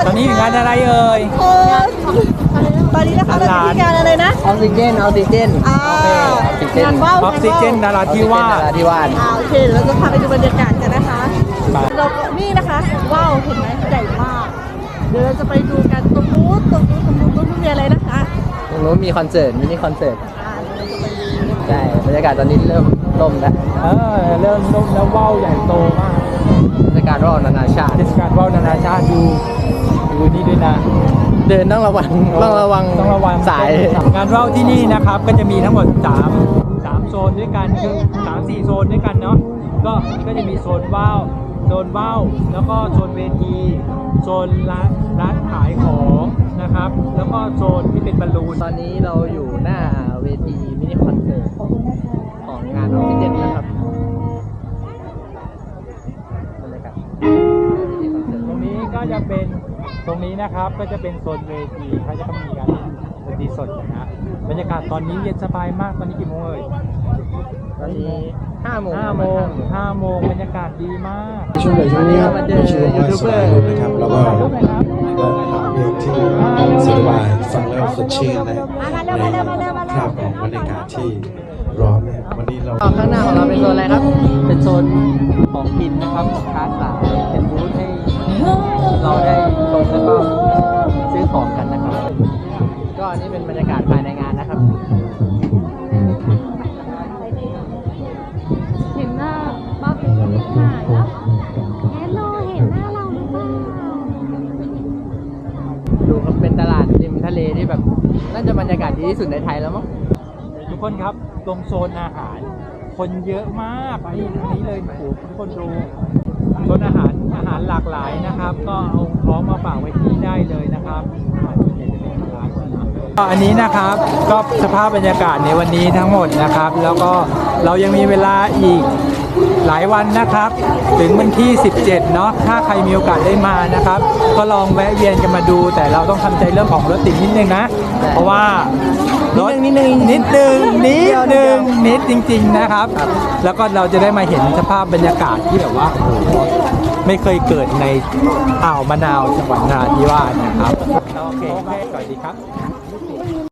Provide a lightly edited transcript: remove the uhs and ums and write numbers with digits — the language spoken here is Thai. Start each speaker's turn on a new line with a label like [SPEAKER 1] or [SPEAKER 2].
[SPEAKER 1] ตอนนี้อยู่งานอะไรเอ่ย
[SPEAKER 2] ตอนนี้นะคะเรามีงานอะไรนะ
[SPEAKER 3] ออกซิเจน
[SPEAKER 2] งานว่าว
[SPEAKER 1] ออกซิเจนนราธิวาส
[SPEAKER 2] โอเคเราจะพาไปดูบรรยากาศกันนะคะเรานี่นะคะว้าวเห็นไหมใหญ่มากเดี๋ยวเราจะไปดูกันตรงนู้นมีอะไรนะคะ
[SPEAKER 3] ตรงนู้นมีคอนเสิร์ตมินิคอนเสิร์ตใช่บรรยากาศตอนนี้เริ่มล่มแล้ว
[SPEAKER 1] เริ่มล่มแล้วว่าวใหญ่โตมาก
[SPEAKER 3] บรรยากาศว่าวนานาชาติ
[SPEAKER 1] เทศกาลว่าวนานาชาติดูนี่ด้วยนะ
[SPEAKER 3] เดินต้องระวังสาย
[SPEAKER 1] งานว่าวที่นี่นะครับก็จะมีทั้งหมด3โซนด้วยกันคือ3-4 โซนด้วยกันเนาะก็จะมีโซนว่าวแล้วก็โซนเวทีโซนร้านขายของนะครับแล้วก็โซนที่เป็นบอลลูน
[SPEAKER 3] ตอนนี้เราอยู่หน้าเวทีมินิคอนเสิร์ตของงานออกซิเจนนะครับบรรยากาศ
[SPEAKER 1] ตรงนี้ก็จะเป็นตรงนี้นะครับก็จะเป็นโซนเวทีเขาจะมีการดนตรีสดนะบรรยากาศตอนนี้เย็นสบายมากตอนนี้กี่โมงเอ่ย
[SPEAKER 3] ตอนนี้5 โม
[SPEAKER 1] งบรรยากาศดีมาก
[SPEAKER 4] ช่วงนี้ครับช่วงว่าสบายนะครับแล้วก็เพลงที่สบายฟังแล้วสดชื่นนะในภาพของบรรยากาศที่ร้อนเนี่ยวันนี้เรา
[SPEAKER 3] ข้างหน้าของเราเป็นโซนอะไรครับเป็นโซนของกินนะครับค้าขายเป็นบูธให้เราได้ชมแล้วก็ซื้อของกันนะครับก็อันนี้เป็นบรรยากาศภายในงานนะครับ
[SPEAKER 2] เห็นหน้าบ้าเป็นหน้าแล้วเห็นหน้าเราหรือเปล่า
[SPEAKER 3] ดูครับเป็นตลาดริมทะเลที่แบบน่าจะบรรยากาศดีที่สุดในไทยแล้วมั้ง
[SPEAKER 1] ทุกคนครับตรงโซนอาหารคนเยอะมากนี่ตรงนี้เลยโอ้โหทุกคนดูโซนอาหารหลากหลายนะครับก็เอาของมาฝากไว้ที่ได้เลยนะครับอันนี้นะครับก็สภาพบรรยากาศในวันนี้ทั้งหมดนะครับแล้วก็เรายังมีเวลาอีกหลายวันนะครับถึงวันที่17เนาะถ้าใครมีโอกาสได้มานะครับก็ลองแวะเวียนกันมาดูแต่เราต้องทำใจเรื่องของรถติดนิดนึงนะเพราะว่ารถนิดจริงๆนะครับแล้วก็เราจะได้มาเห็นสภาพบรรยากาศที่แบบว่าไม่เคยเกิดในอ่าวมะนาวจังหวัดนราธิวาสนะครับโอเคสวัสดีครับ